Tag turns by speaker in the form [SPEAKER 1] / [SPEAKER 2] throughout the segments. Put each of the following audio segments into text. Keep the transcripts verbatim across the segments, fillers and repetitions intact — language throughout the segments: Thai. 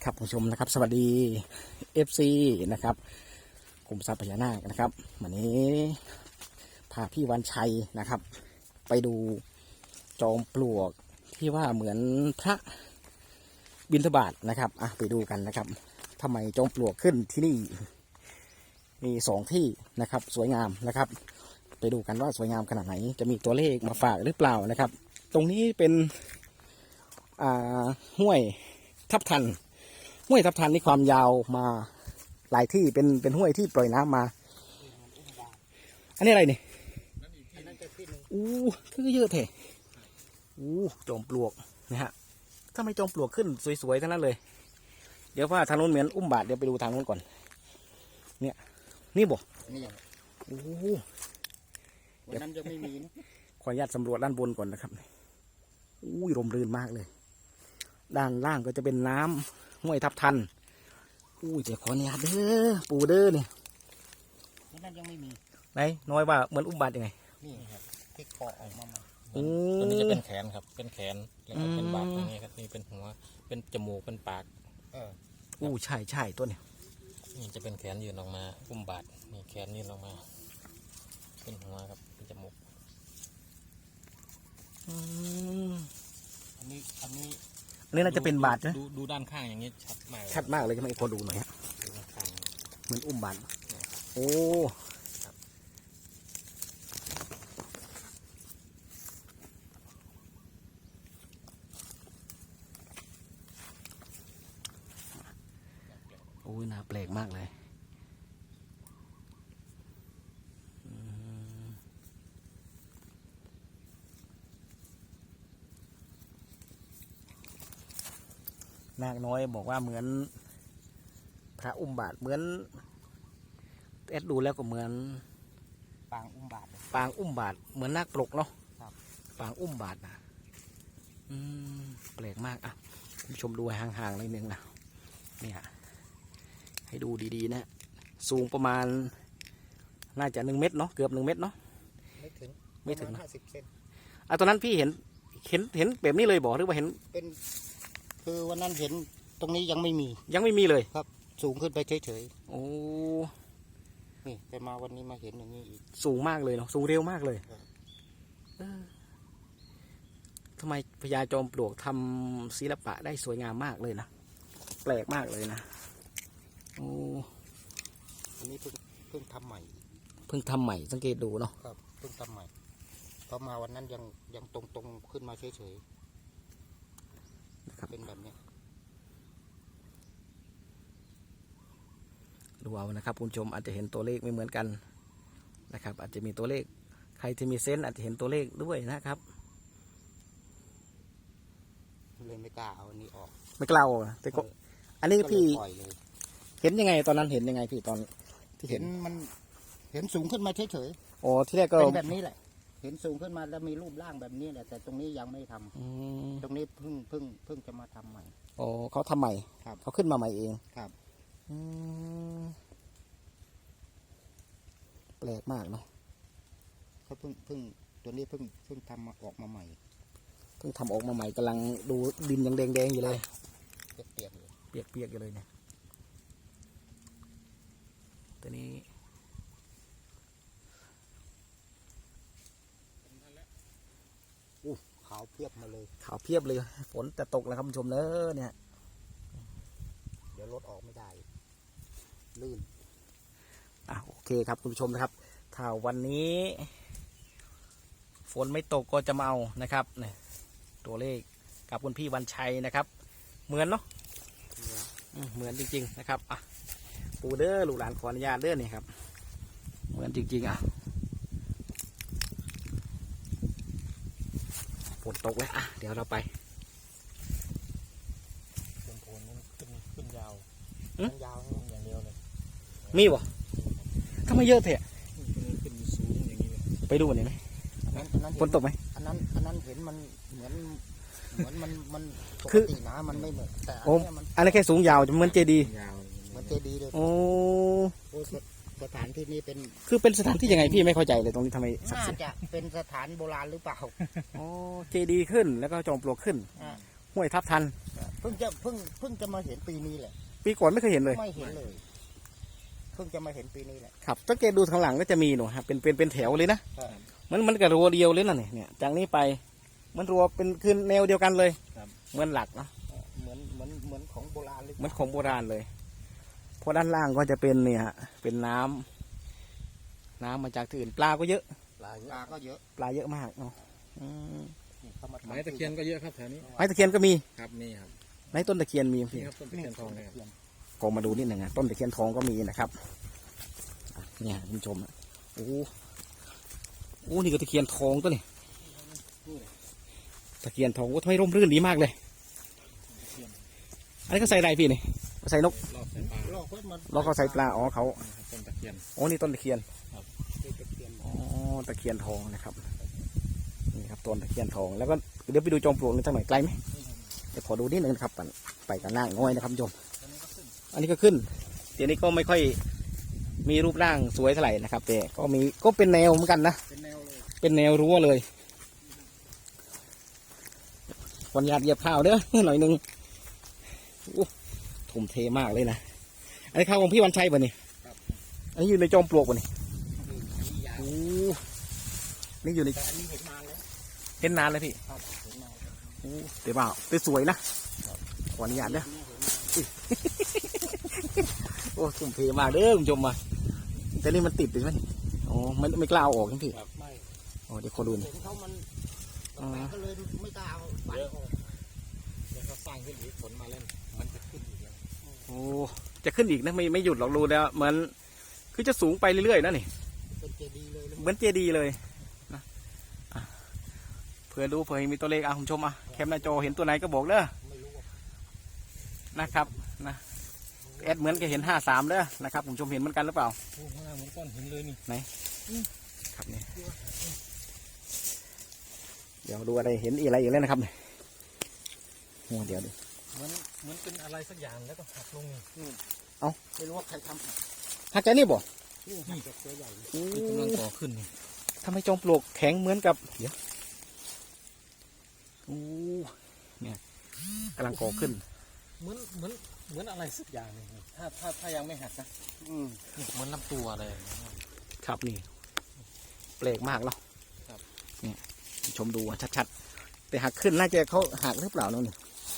[SPEAKER 1] ครับผู้ชมนะครับสวัสดี เอฟ ซี นะครับกลุ่มทรัพย์พญานาคนะครับวันนี้พาพี่วันชัยนะครับไปดูจอมปลวกที่ว่าเหมือนพระบิณฑบาตนะครับอ่ะไปดูกันนะครับทำไมจอมปลวกขึ้นที่นี่มีสองที่นะครับสวยงามนะครับไปดูกันว่าสวยงามขนาดไหนจะมีตัวเลขมาฝากหรือเปล่านะครับตรงนี้เป็นอ่าห้วยทับทันห้วยทับทันนี่ความยาวมาหลายที่เป็นเป็นห้วยที่ปล่อยน้ำมาอันนี้อะไรนี่อู้คือเยอะเถอะอู้จอมปลวกนะฮะถ้าไม่จอมปลวกขึ้นสวยๆทั้งนั้นเลยเดี๋ยวว่าทางนู้นเหมือนอุ้มบาทเดี๋ยวไปดูทางนู้นก่อนเนี่ยนี่บ่
[SPEAKER 2] นี่
[SPEAKER 1] โอ้
[SPEAKER 2] วันนั้นยังไม่มีนะ
[SPEAKER 1] ขออนุญาตสำรวจด้านบนก่อนนะครับอู้ยลมรื่นมากเลยด้านล่างก็จะเป็นน้ำห้วยทับทันอู้ยเดี๋ยวขออนุญาตเด้อปูเด้อเนี่ย
[SPEAKER 2] วันนั้นยังไม่มี
[SPEAKER 1] ไหนน้อยว่าเหมือนอุ้มบาทยังไง
[SPEAKER 2] นี่ครับที่คอออกมาใหม่
[SPEAKER 3] ตัวนี้จะเป็นแขนครับเป็นแขนแล้วก็เป็นบาดตรงนี้ครับนี่เป็นหัวเป็นจมูกเป็นปาก
[SPEAKER 2] เออ
[SPEAKER 1] อู้ใช่ใช่ตัวเนี้ย
[SPEAKER 3] นี่จะเป็นแขนยืนออกมาอุ้มบาดนี่แขนยืนออกมาเป็นหัวครับเป็นจมูก
[SPEAKER 2] อันนี้อันนี้
[SPEAKER 1] อันนี้น่าจะเป็นบาทนะ
[SPEAKER 3] ดูดูด้านข้างอย่างนี้ชัดมาก
[SPEAKER 1] ชัดมากเลยใช่ไหมพอดูหน่อยฮะเหมือนอุ้มบาทโอ้โอ้ยน่าแปลกมากเลยนาคน้อยบอกว่าเหมือนพระอุ้มบาทเหมือนเอ็ดดูแล้วก็เหมือน
[SPEAKER 2] ปางอุ้มบาท
[SPEAKER 1] ปางอุ้มบาทเหมือนนาคปลกเนาะ
[SPEAKER 2] ครับ
[SPEAKER 1] ปางอุ้มบาทนะอืมแปลกมากอ่ะชมดูห่างๆนิดนึงนะเนี่ยให้ดูดีๆนะสูงประมาณน่าจะหนึ่งเมตรเนาะเกือบหนึ่งเมตรเนาะ
[SPEAKER 2] ไม่ถึง
[SPEAKER 1] ไม่ถึงนะ
[SPEAKER 2] ห้าสิบเซน
[SPEAKER 1] อ่ะตอนนั้นพี่เห็นเห็นเห็นแบบนี้เลยบอกหรือว่าเห็น
[SPEAKER 2] เป็นคือวันนั้นเห็นตรงนี้ยังไม่มี
[SPEAKER 1] ยังไม่มีเลย
[SPEAKER 2] ครับสูงขึ้นไปเฉย
[SPEAKER 1] ๆโอ้
[SPEAKER 2] นี่แต่มาวันนี้มาเห็นอย่างนี้อีก
[SPEAKER 1] สูงมากเลยเนาะสูงเร็วมากเลยทำไมพญาจอมปลวกทำศิลปะได้สวยงามมากเลยนะแปลกมากเลยนะโอ้
[SPEAKER 2] อันนี้เพิ่งเพิ่งทำใหม่
[SPEAKER 1] เพิ่งทำใหม่สังเกตดูเนาะ
[SPEAKER 2] ครับเพิ่งทำใหม่พอมาวันนั้นยังยังตรงตรงขึ้นมาเฉยๆเป็นแบบนี้
[SPEAKER 1] ดูเอานะครับคุณผู้ชมอาจจะเห็นตัวเลขไม่เหมือนกันนะครับอาจจะมีตัวเลขใครที่มีเซนส์อาจจะเห็นตัวเลขด้วยนะครับ
[SPEAKER 2] เลยไม่กล้าเอาอันนี้ออก
[SPEAKER 1] ไม่กล้าแต่ก็อันนี้พี่เห็นยังไงตอนนั้นเห็นยังไงพี่ตอนที่
[SPEAKER 2] เห็นมันเห็นสูงขึ้นมาเฉย
[SPEAKER 1] ๆโอ้ที่แรกก็
[SPEAKER 2] เป็นแบบนี้แหละเห็นสูงขึ้นมาแล้วมีรูปร่างแบบนี้แหละแต่ตรงนี้ยังไม่ทำตรงนี้เพิ่งเพิ่งเพิ่งจะมาทำใหม่
[SPEAKER 1] โอ้เขาทำใหม่เขาขึ้นมาใหม่เอง
[SPEAKER 2] ครับ
[SPEAKER 1] แปลกมากเนาะ
[SPEAKER 2] เขาเพิ่งเพิ่งตัวนี้เพิ่งเพิ่งทำมาออกมาใหม่
[SPEAKER 1] เพิ่งทำออกมาใหม่กำลังดูดินยังแดงๆอยู่เลย
[SPEAKER 2] เปียกๆอยู่
[SPEAKER 1] เปียกๆอยู่เลยเนี่ยตัวนี้
[SPEAKER 2] ขาวเพียบมาเลย
[SPEAKER 1] ขาวเพียบเลยฝนจะตกแล้วครับผู้ชมเนอะเนี่ย
[SPEAKER 2] เดี๋ยวรถออกไม่ได้ลื่น
[SPEAKER 1] อ่ะโอเคครับคุณผู้ชมนะครับถ้าวันนี้ฝนไม่ตกก็จะมาเอานะครับเนี่ยตัวเลขกับคุณพี่วันชัยนะครับเหมือนเนาะเหมือนจริงๆนะครับอ่ะปูเด้อลูกหลานขออนุญาตเด้อเนี่ยครับเหมือนจริงๆอ่ะฝนตกแล้วอ่ะเดี๋ยวเราไป
[SPEAKER 3] บนโคนมันขึ้นขึ้นยาว
[SPEAKER 2] มันยาว
[SPEAKER 3] อย่างเดียวเลย
[SPEAKER 1] มีบ่ทำไมเยอะเถอะ
[SPEAKER 3] ขึ้นสูงอย่างนี้เลย
[SPEAKER 1] ไปดูหน่อยไหมฝนตกไหม
[SPEAKER 2] อันนั้นอันนั้นเห็นมันเหมือนเหมือนมันมันปกตินะมันไม่เหมือนแต่อันนี้มัน
[SPEAKER 1] อันนี้แค่สูงยาวจะเหมือนเจดีย์
[SPEAKER 2] เหมือนเจดีย์เลย
[SPEAKER 1] โอ้
[SPEAKER 2] สถานที่นี้เป็น
[SPEAKER 1] คือเป็นสถานที่ยังไงพี่ไม่เข้าใจเลยตรงนี้ทำไม
[SPEAKER 2] น่าจะเป็นสถานโบราณหรือเปล่า
[SPEAKER 1] โอ้เจดีย์ขึ้นแล้วก็จอมปลวกขึ้นห้วยทับทัน
[SPEAKER 2] เพิ่งจะเพิ่งเพิ่งจะมาเห็นปีนี้แหละ
[SPEAKER 1] ปีก่อนไม่เคยเห็นเลย
[SPEAKER 2] ไม่เห็นเลย เพิ่งจะมาเห็นปีนี้แหละ
[SPEAKER 1] ครับสังเกตดูข้างหลังก็จะมีหนูครับเป็นเป็นเป็นแถวเลยนะ
[SPEAKER 2] ใช่
[SPEAKER 1] มันมันกับรัวเดียวเลยนะเนี่ยเนี่ยจากนี้ไปมันรัวเป็นคือแนวเดียวกันเลยเหมือนหลักเนาะ
[SPEAKER 2] เหมือนเหมือนเหมือนของโบราณเลย
[SPEAKER 1] เหมือนของโบราณเลยเพราะด้านล่างก็จะเป็นเนี่ยฮะเป็นน้ำน้ำมาจากที่อื่นปลาก็เยอะ
[SPEAKER 3] ปลาเย
[SPEAKER 2] ปลา
[SPEAKER 3] อะ
[SPEAKER 2] ก็เยอะ
[SPEAKER 1] ปลาเยอะมากเนาะอืม
[SPEAKER 2] นี่เขามาทำ
[SPEAKER 3] ไม้ตะเคียนก็เยอะครับแถวนี้
[SPEAKER 1] ไม้ตะเคียนก็มี
[SPEAKER 3] ครับนี่ครับ
[SPEAKER 1] ในต้นตะเคียนมีพี่
[SPEAKER 3] นี่ครับต้นตะเคียนทองนะครับ
[SPEAKER 1] ก็มาดูนิดหนึ่งนะต้นตะเคียนทองก็มีนะครับอ่ะเนี่ยคุณผู้ชมอ่ะโอ้โหโอ้นี่ก็ตะเคียนทองตัวนี่ตะเคียนทองก็ทำไมร่มรื่นดีมากเลยอันนี้ก็ใส่อะไรพี่นี่ใส่นก
[SPEAKER 3] รอบใส่ปลา
[SPEAKER 2] ลอกไว้มัน
[SPEAKER 1] แล้วก็ใส่ปลาอ๋อเขา
[SPEAKER 3] ต้นตะเคียน
[SPEAKER 1] โอ้นี่ต้นตะเคียน
[SPEAKER 2] เป็นตะเคียน
[SPEAKER 1] อ๋อตะเคียนทองนะครับนี่ครับต้นตะเคียนทองแล้วก็เดี๋ยวไปดูจอมปลวกนี่สักหน่อยไกลไหมเดี๋ยวขอดูนิดนึงนะครับไปไปกันหน้าง่อยนะครับคุณผู้ชมอันนี้ก็ขึ้นเดี๋ยวนี้ก็ไม่ค่อยมีรูปร่างสวยเท่าไหร่นะครับแต่ก็มีก็เป็นแนวเหมือนกันนะ
[SPEAKER 2] เป็นแนวเลย
[SPEAKER 1] เป็นแนวรั้วเลยวันหยาดเหยียบข้าวเด้อ หน่อยหนึงอู้ทุ่มเทมากเลยนะอันนี้ข้าวของพี่วันชัยป่ะนี่อันนี้อยู่ในจอมปลวกป่ะนี่
[SPEAKER 2] นี่ยาว
[SPEAKER 1] โอ้นี่อยู่ใน
[SPEAKER 2] แต่อันนี้เห็นนานแล้ว
[SPEAKER 1] เห็นนานเลยพี่
[SPEAKER 2] ครับเห็นนานแล้ว
[SPEAKER 1] โอ้เดี๋ยวเปล่าแต่สวยนะขออนุญาตเด้อ
[SPEAKER 2] เนี่ยเห็นนานแล้ว
[SPEAKER 1] โอ้ทุ่มเทมากเด้อคุณผู้ชมมาแต่นี่มันติดใช่ไหมอ๋อไม่ไม่กล้าเอาออกทั้งพี่
[SPEAKER 2] ไม่
[SPEAKER 1] อ๋อเดี๋ยวขอดูหน่อย
[SPEAKER 2] เห็นเขามัน
[SPEAKER 1] อ๋อ
[SPEAKER 2] แปลกก็เลยไม่กล้าเอาไปออก
[SPEAKER 3] เดี๋ยวเขาสร้างขึ้นอีกฝนมาเล่นมันจะขึ้นอีกแล้ว
[SPEAKER 1] โอ้จะขึ้นอีกนะไม่ไม่หยุดหรอกรู้แล้วเหมือนคือจะสูงไปเรื่อยๆนะนี่
[SPEAKER 2] เป็นเจดีย์เลยเลย
[SPEAKER 1] เหมือนเจดีย์เลยนะอ่ะเผื่อดูเผื่อมีตัวเลขอ่ะคุณผู้ชมอ่ะแคมหน้าจอเห็นตัวไหนก็บอกเด้อ
[SPEAKER 2] ไม่รู้ว่า
[SPEAKER 1] นะครับนะแอดเหมือนแกเห็นห้าสามเด้อนะครับคุณผู้ชมเห็นเหมือนกันหรือเปล่า
[SPEAKER 3] โอ้ข้างล่างเหมือนก้อนหินเลยนี่
[SPEAKER 1] ครับนี่เดี๋ยวดูอะไรเห็นอีกอะไรอีกแล้วนะครับโอ้เดี๋ยวดิ
[SPEAKER 3] เหมือนเหมือนเป็นอะไรสักอย่างแล้วก็หักลงนี่
[SPEAKER 2] ไม่รู้ว่าใครทำ
[SPEAKER 1] หักใจนี่บ่
[SPEAKER 2] นี่หักจากตัวใหญ่เลย
[SPEAKER 1] โอ้
[SPEAKER 3] นี่กำลังก่อขึ้นนี่
[SPEAKER 1] ทำไมจอมปลวกแข็งเหมือนกับเดี๋ยวโอ้เนี่ยกำลังก่อขึ้น
[SPEAKER 3] เหมือนเหมือนเหมือนอะไรสักอย่างหนึงนี่ถ้าถ้าถ้ายังไม่หักนะ
[SPEAKER 2] อืม
[SPEAKER 3] นี่เหมือนลำตัวอะไรอย่างเงี้ย
[SPEAKER 1] ครับนี่แปลกมากแล้ว
[SPEAKER 3] ครับ
[SPEAKER 1] เนี่ยชมดูอ่ะชัดๆแต่หักขึ้นน่าจะเขาหักหรือเปล่าเนาะนี่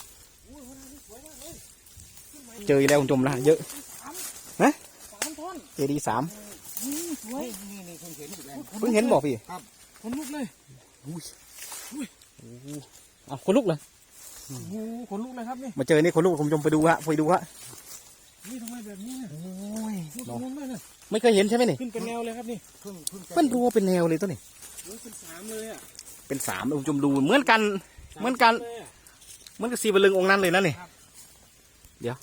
[SPEAKER 1] เจออีกแล้วคุณผู้ชมละเยอะนะ
[SPEAKER 2] สามท่อน
[SPEAKER 1] เจดีสาม
[SPEAKER 2] สวยนี่นี่เพิ่งเห็นอยู่แล้ว
[SPEAKER 1] เพิ่งเห็นบอกพี่
[SPEAKER 3] คนลุกเลย
[SPEAKER 1] อ้าวคนลุกเลย
[SPEAKER 3] โอ้โหคนลุกเลยครับนี่
[SPEAKER 1] มาเจอนี่คนลุกคุณผู้ชมไปดูฮะไปดูฮะ
[SPEAKER 3] นี่ทำไมแบบนี้เนี่ย
[SPEAKER 1] โอ้ย
[SPEAKER 3] ลุก
[SPEAKER 1] เนาะ
[SPEAKER 3] งงเลยนะ
[SPEAKER 1] ไม่เคยเห็นใช่ไหมนี่
[SPEAKER 3] ขึ้นเป็นแนวเลยครับนี่
[SPEAKER 2] เพิ่งเพิ่งจะ
[SPEAKER 1] เป็นรัวเป็นแนวเลยตัวนี้
[SPEAKER 3] โอ้ยเป็นสามเลยอ่ะ
[SPEAKER 1] เป็นสามคุณผู้ชมดูเหมือนกัน เหมือนกัน
[SPEAKER 3] เลยอะ
[SPEAKER 1] เหมือนกับสีบลึงองค์นั้นเลยนะนี่เดี๋ยว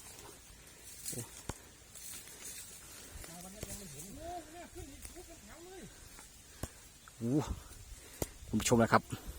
[SPEAKER 1] โอ้คุณผู้ชมนะครับ